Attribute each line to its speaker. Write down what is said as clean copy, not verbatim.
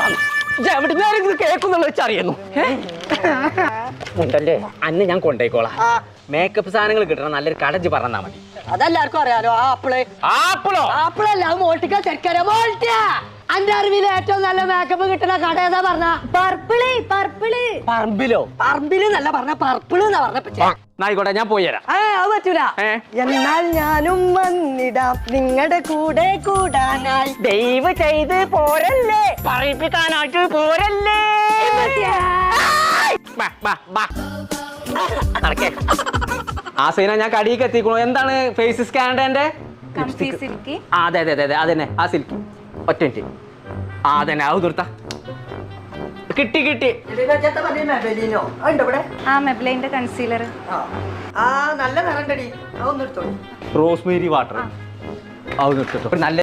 Speaker 1: എവിടുന്ന് കേൾക്കുന്നുള്ള വെച്ചറിയുന്നു ഉണ്ടല്ലേ അന്ന് ഞാൻ കൊണ്ടേക്കോളാം മേക്കപ്പ് സാധനങ്ങൾ കിട്ടണം നല്ലൊരു കടജ് പറഞ്ഞാ മതി
Speaker 2: അതെല്ലാവർക്കും അറിയാലോ ആപ്പിളല്ല മോൾട്ടിക്ക ചെക്കര മോൾട്ടിയ അന്റെ അറിവിൽ ഏറ്റവും നല്ല മേക്കപ്പ് കിട്ടുന്ന കട ഏതാ പറഞ്ഞ പറമ്പില് നല്ല പറഞ്ഞ പർപ്പിള് എന്നാ പറഞ്ഞ
Speaker 1: ആയിക്കോട്ടെ ഞാൻ പോയി തരാം
Speaker 2: അത് പറ്റൂല എന്നാൽ ഞാനും വന്നിടാം നിങ്ങളുടെ കൂടെ കൂടാനായി
Speaker 1: ദയവ് ചെയ്ത് പോരല്ലേ പറയിപ്പിക്കാനായിട്ട് പോരല്ലേ ആ സീന ഞാൻ കടിയൊക്കെ എത്തിക്കണു എന്താണ് ഫേസ് സ്കാൻഡന്റെ അതെ അതെ അതെ അതെ അതന്നെ ആ സിൽക്ക് ഒറ്റ മിനിറ്റ് അതന്നെ അത് നിർത്താ കിട്ടി കിട്ടി
Speaker 3: മെബ്ലൈന്റെ കൺസീലർ
Speaker 2: നല്ല നിറണ്ടടി
Speaker 1: റോസ്മേരി വാട്ടർ അത് നിർത്തിട്ടോ നല്ല